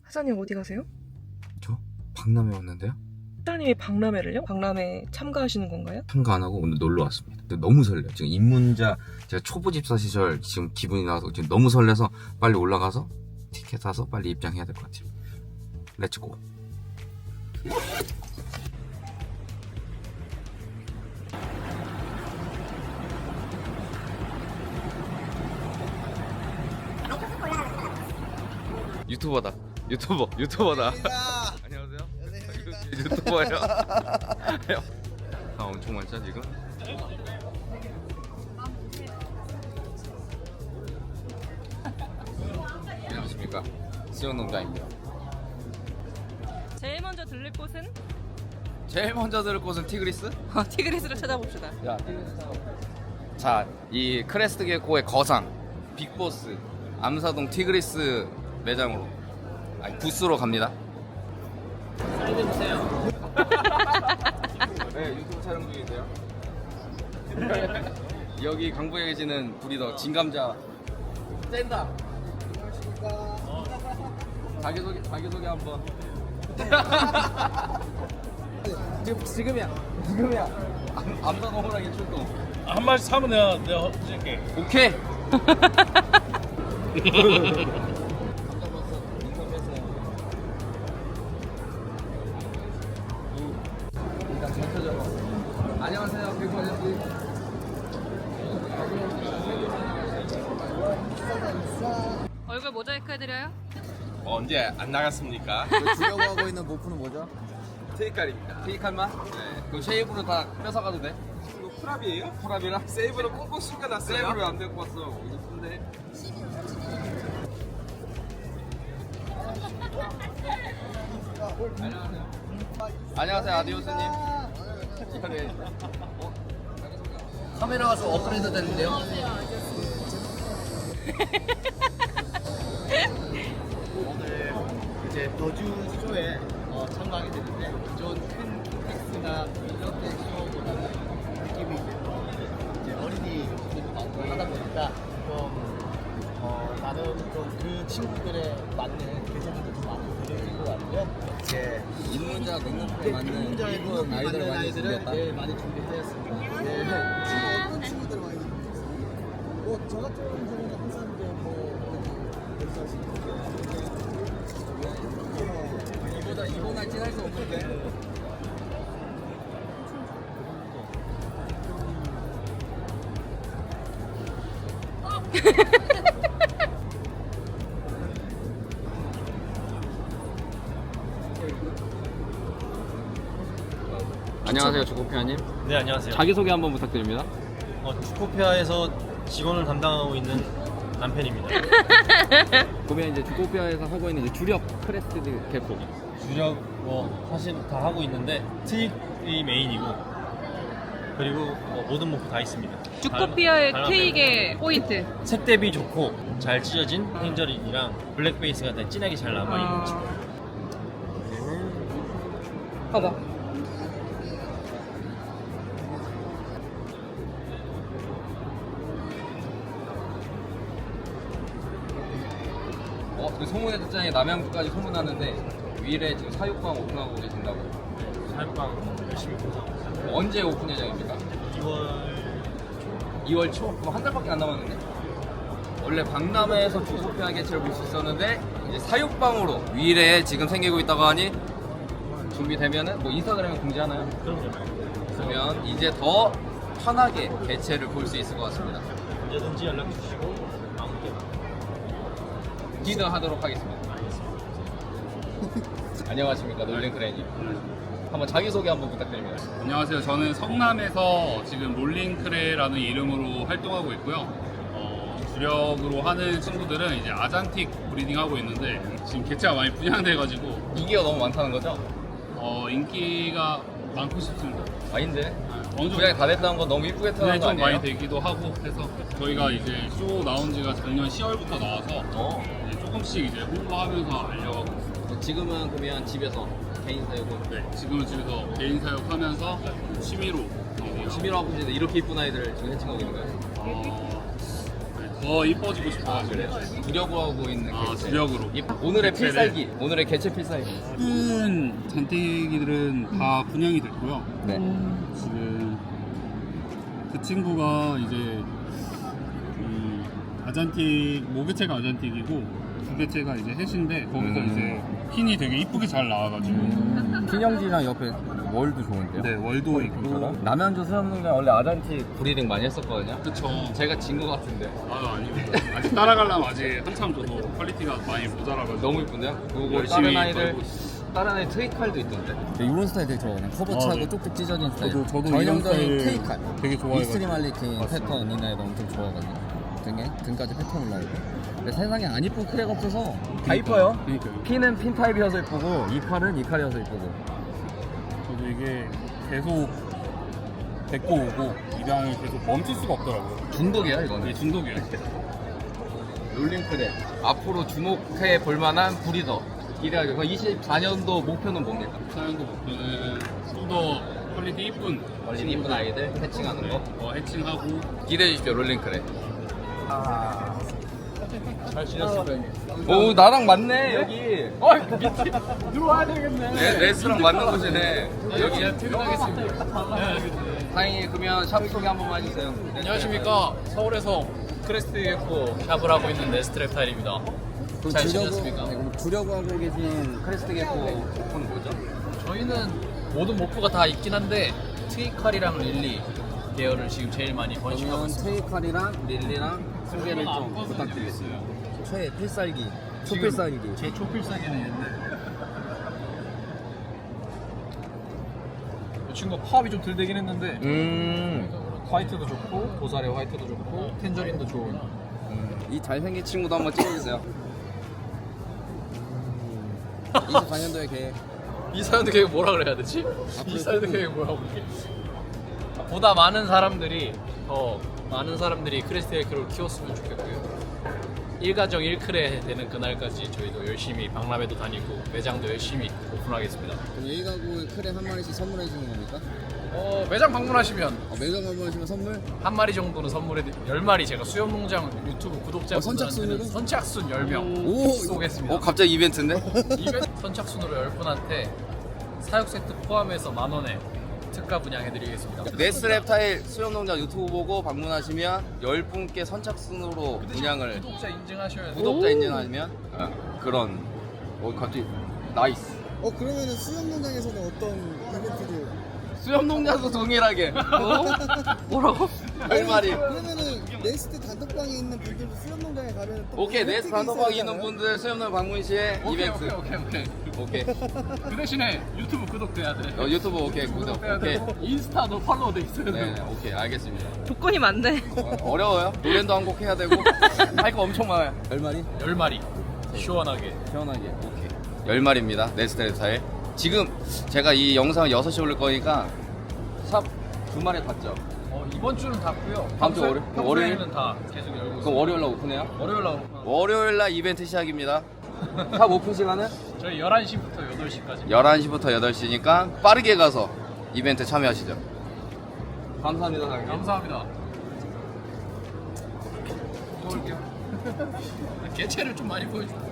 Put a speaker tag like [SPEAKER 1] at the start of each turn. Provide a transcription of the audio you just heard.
[SPEAKER 1] 사장님 어디 가세요?
[SPEAKER 2] 저? 박람회 왔는데요?
[SPEAKER 1] 사장님이 박람회를요? 박람회 참가하시는 건가요?
[SPEAKER 2] 참가 안 하고 오늘 놀러 왔습니다. 근데 너무 설레요. 지금 입문자 제가 초보 집사 시절 지금 기분이 나서 지금 너무 설레서 빨리 올라가서 티켓 사서 빨리 입장해야 될 것 같아요. 렛츠고. 유튜버다. 유튜버다. 안녕하세요. 유튜버예요. 아, 엄청 많죠 지금? 안녕하십니까. 수영농장입니다.
[SPEAKER 1] 제일 먼저 들릴 곳은?
[SPEAKER 2] 제일 먼저 들을 곳은 티그리스?
[SPEAKER 1] 티그리스를 찾아봅시다.
[SPEAKER 2] 야, 티그리스 자, 이 크레스트 게코의 거상 빅보스 암사동 티그리스 매장으로 아니 부스로 갑니다. 사인해주세요. 네, 유튜브 촬영 중인데요. 여기 강북에 계시는 브리더 진감자 센다. 자기소개 한번. 지금이야. 암사동 호랑이 출동.
[SPEAKER 3] 한 마리 사면 내가 해줄게.
[SPEAKER 2] 오케이. 안녕하세요, 백호 아저씨.
[SPEAKER 1] 얼굴 모자이크 해드려요?
[SPEAKER 3] 언제 안 나갔습니까?
[SPEAKER 4] 주려고 하고 있는 모프는 뭐죠?
[SPEAKER 2] 테이칼입니다. 테이칼만? 네. 그 쉐이브로 다 뺏어가도 돼?
[SPEAKER 3] 이거 프랍이에요?
[SPEAKER 2] 프랍이랑?
[SPEAKER 3] 세이브를 꽁꽁 숨겨놨어요.
[SPEAKER 2] 세이브를 안 데리고 왔어. 이쁜데. 안녕하세요, 아디오스님.
[SPEAKER 4] 카메라가 좀 업그레이드 됐는데요? 오늘 이제 더주 쇼에 참가하게 됐는데 기존 큰 텍스나 이렇게 쇼보다는 느낌이 이제 어린이 분들도 많고 하다 보니까 좀 나름 좀 그 친구들에 맞는 개성들도 좀 많이 들어있는 것 같고요. 이제
[SPEAKER 2] 입문자 능력에 맞는
[SPEAKER 4] 입문자에
[SPEAKER 2] 이쁜 아이들을 많이
[SPEAKER 4] 아이들을
[SPEAKER 2] 준비했다.
[SPEAKER 4] 네, 많이 준비했습니다. 네. 어떤 친구들 많이 저 같은 경우는 항상 이제
[SPEAKER 2] 이보다 찐할 수 없는데. 안녕하세요, 주코피아님.
[SPEAKER 5] 네, 안녕하세요.
[SPEAKER 2] 자기소개 한번 부탁드립니다.
[SPEAKER 5] 주코피아에서 직원을 담당하고 있는 남편입니다.
[SPEAKER 2] 그러면 이제 주코피아에서 하고 있는 이제 주력 크레스트 개코.
[SPEAKER 5] 주력 사실 다 하고 있는데 트윅이 메인이고 그리고 모든 모프 다 있습니다.
[SPEAKER 1] 주코피아의
[SPEAKER 5] 달라-
[SPEAKER 1] 케이크의 포인트.
[SPEAKER 5] 색 대비 좋고 잘 찢어진 행저린이랑 블랙 베이스가 다 진하게 잘 남아있는 친구.
[SPEAKER 1] 봐봐.
[SPEAKER 2] 그 소문의 듣자니 남양주까지 소문났는데 위례 지금 사육방 오픈하고 계신다고.
[SPEAKER 5] 사육방 열심히 공사하고 있어요.
[SPEAKER 2] 언제 오픈 예정입니까? 2월 초? 그럼 한 달밖에 안 남았는데? 원래 박람회에서 주코피아 개체를 볼 수 있었는데 이제 사육방으로 위례에 지금 생기고 있다고 하니 준비되면은 뭐 인스타그램에 공지하나요?
[SPEAKER 5] 그럼요.
[SPEAKER 2] 그러면 이제 더 편하게 개체를 볼 수 있을 것 같습니다.
[SPEAKER 5] 언제든지 연락 주시고 아무 때나.
[SPEAKER 2] 기대하도록 하겠습니다. 안녕하십니까, 놀링크레님. 한번 자기소개 한번 부탁드립니다.
[SPEAKER 6] 안녕하세요. 저는 성남에서 지금 롤링크레라는 이름으로 활동하고 있고요. 주력으로 하는 친구들은 이제 아잔틱 브리딩 하고 있는데 지금 개체가 많이 분양돼가지고
[SPEAKER 2] 인기가 너무 많다는 거죠?
[SPEAKER 6] 인기가 많고 싶습니다.
[SPEAKER 2] 아닌데?
[SPEAKER 6] 어느 정도
[SPEAKER 2] 분양이 다 됐다는 건 너무 이쁘게 태어난
[SPEAKER 6] 분양이
[SPEAKER 2] 거
[SPEAKER 6] 좀
[SPEAKER 2] 아니에요?
[SPEAKER 6] 많이 되기도 하고 해서 저희가 이제 쇼 나온 지가 작년 10월부터 나와서 이제 조금씩 이제 홍보하면서 알려가고 있습니다.
[SPEAKER 2] 지금은 그러면 집에서 개인 사육은
[SPEAKER 6] 네, 지금은 집에서 개인 사육하면서 취미로
[SPEAKER 2] 취미로 하고 있는데 이렇게 이쁜 아이들 지금 해칭하고 있는 거예요?
[SPEAKER 6] 어, 네, 더 이뻐지고 싶어가지고
[SPEAKER 2] 주력으로 하고 있는 개체.
[SPEAKER 6] 주력으로.
[SPEAKER 2] 오늘의
[SPEAKER 6] 개체를.
[SPEAKER 2] 필살기. 오늘의 개체 필살기.
[SPEAKER 6] 큰 잔태기들은 다 분양이 됐고요.
[SPEAKER 2] 네.
[SPEAKER 6] 지금 그 친구가 이제 아잔틱 모개체가 아잔틱이고 두 개체가 이제 햇인데 거기서 이제 핀이 되게 이쁘게 잘 나와가지고
[SPEAKER 2] 핀형지랑 옆에 월도 좋은데요?
[SPEAKER 6] 네 월도 있고
[SPEAKER 2] 남양주 수염농장 원래 아잔틱 브리딩 많이 했었거든요.
[SPEAKER 6] 그쵸.
[SPEAKER 2] 제가 진 것 같은데.
[SPEAKER 6] 아니고 아직 따라가려면 아직 한참 저도 퀄리티가 많이 모자라가지고
[SPEAKER 2] 너무 이쁜데요? 그리고
[SPEAKER 6] 열심히
[SPEAKER 2] 다른 아이들
[SPEAKER 6] 걸고 있어요.
[SPEAKER 2] 다른 아이 트위칼도 있던데.
[SPEAKER 7] 이런 스타일 되게 좋아하거든요. 커버 차고
[SPEAKER 6] 네.
[SPEAKER 7] 쪽쪽 찢어진 스타일.
[SPEAKER 6] 저도
[SPEAKER 7] 저희
[SPEAKER 6] 이런
[SPEAKER 7] 형제는
[SPEAKER 6] 스타일
[SPEAKER 7] 테이칼.
[SPEAKER 6] 되게 좋아해가지고.
[SPEAKER 7] 익스트림 할리퀸
[SPEAKER 6] 맞습니다.
[SPEAKER 7] 패턴 이나이도 엄청 좋아하거든요. 등까지 패턴 올라오고. 근데 세상에 안 이쁜 크랙 없어서
[SPEAKER 2] 다 이뻐요.
[SPEAKER 6] 그러니까요.
[SPEAKER 2] 핀은 핀 타입이어서 이쁘고 이칼은 이칼이어서 이쁘고.
[SPEAKER 6] 저도 이게 계속 데리고 오고 입양을 계속 멈출 수가 없더라고요.
[SPEAKER 2] 중독이야 이거는.
[SPEAKER 6] 이게 중독이에요.
[SPEAKER 2] 롤링크랩 앞으로 주목해 볼만한 브리더 기대하죠. 24년도 목표는 뭡니까?
[SPEAKER 6] 사연도 목표는 좀 더 퀄리티 이쁜
[SPEAKER 2] 원래 이쁜 아이들 해칭하는 거
[SPEAKER 6] 해칭하고
[SPEAKER 2] 기대해 주십시오. 롤링크랩.
[SPEAKER 6] 잘 지냈어요.
[SPEAKER 2] 오 나랑 맞네 여기. 밑에 들어와야 되겠네. 레스랑 맞는 곳이네. 여기 퇴근하겠습니다. 다행히 그러면 샵 소개 한 번만 해주세요.
[SPEAKER 8] 안녕하십니까. 서울에서 크레스트 UFO 샵을 하고 있는 네스트랩 타일입니다. 잘 지냈습니까?
[SPEAKER 7] 그럼 주려고 하고 계신
[SPEAKER 2] 크레스트 게코 오픈 뭐죠?
[SPEAKER 8] 저희는 모든 목표가 다 있긴 한데 트위칼이랑 릴리 계열을 지금 제일 많이 번식하고
[SPEAKER 7] 그러면
[SPEAKER 8] 있습니다.
[SPEAKER 7] 테이칼이랑 릴리랑 소개를 좀 부탁드리겠습니다. 최 필살기, 초필살기.
[SPEAKER 8] 제 초필살기는 있는데 이 친구가 파업이 좀 덜 되긴 했는데 화이트도 좋고 도사리 화이트도 좋고 텐저린도 좋은
[SPEAKER 2] 이 잘생긴 친구도 한번 찍어주세요.
[SPEAKER 7] 24년도에 계획.
[SPEAKER 8] 이 사연도 계획 뭐라 그래야 되지? 이 사연도 계획 뭐라고 그래? 보다 많은 사람들이 크레스트 UFO를 키웠으면 좋겠고요. 일가정 1크레 되는 그날까지 저희도 열심히 박람회도 다니고 매장도 열심히 오픈하겠습니다.
[SPEAKER 7] 그럼 여기 가구 크랙 한 마리씩 선물해 주는 겁니까?
[SPEAKER 8] 매장 방문하시면
[SPEAKER 7] 매장 방문하시면 선물?
[SPEAKER 8] 한 마리 정도는 선물해 10마리 제가 수염농장 유튜브 구독자
[SPEAKER 7] 선착순으로?
[SPEAKER 8] 선착순 10명
[SPEAKER 7] 오,
[SPEAKER 8] 쏘겠습니다.
[SPEAKER 2] 갑자기 이벤트인데?
[SPEAKER 8] 이벤트 선착순으로 10분한테 사육 세트 포함해서 10,000원에 특가 분양해드리겠습니다.
[SPEAKER 2] 네스트랩 타일 수영농장 유튜브 보고 방문하시면 10분께 선착순으로 분양을
[SPEAKER 8] 구독자 인증하셔야 돼요.
[SPEAKER 2] 구독자 인증하면 그런 갑자기 나이스.
[SPEAKER 7] 그러면은 수영농장에서는 어떤 이벤트를?
[SPEAKER 2] 수영농장도 동일하게 뭐라고? 할 말이.
[SPEAKER 7] 그러면은 네스트 단톡방에 있는 분들도 수영농장에 가면 또
[SPEAKER 2] 오케이
[SPEAKER 7] 뭐
[SPEAKER 2] 네스트
[SPEAKER 7] 혜택이
[SPEAKER 2] 단톡방에
[SPEAKER 7] 있어야
[SPEAKER 2] 있는
[SPEAKER 7] 되나요?
[SPEAKER 2] 분들 수영농 방문 시에 이벤트.
[SPEAKER 8] 오케이.
[SPEAKER 2] 오케이.
[SPEAKER 8] 그 대신에 유튜브 구독돼야 돼.
[SPEAKER 2] 유튜브 오케이 구독. 오케이.
[SPEAKER 8] 인스타도 팔로우 돼 있어야
[SPEAKER 2] 네 오케이 알겠습니다.
[SPEAKER 1] 조건이 많네.
[SPEAKER 2] 어려워요. 노래도 한 곡 해야 되고 할 거 엄청 많아요.
[SPEAKER 7] 10마리?
[SPEAKER 8] 10마리 시원하게.
[SPEAKER 2] 시원하게. 오케이. 10마리입니다. 네스트랩 타일. 지금 제가 이 영상을 6시 올릴 거니까 샵 주말에 닫죠.
[SPEAKER 8] 이번 주는 닫고요.
[SPEAKER 2] 다음 주 월요일?
[SPEAKER 8] 평소에는 다 계속 열고
[SPEAKER 2] 그럼
[SPEAKER 8] 있어요.
[SPEAKER 2] 월요일 날 오픈해요?
[SPEAKER 8] 월요일 날
[SPEAKER 2] 월요일 날 이벤트 시작입니다. 샵 오픈 시간은
[SPEAKER 8] 저희 11시부터 8시까지.
[SPEAKER 2] 11시부터 8시니까 빠르게 가서 이벤트 참여하시죠. 감사합니다, 사장님.
[SPEAKER 8] 감사합니다. 개체를 좀 많이 보여줘.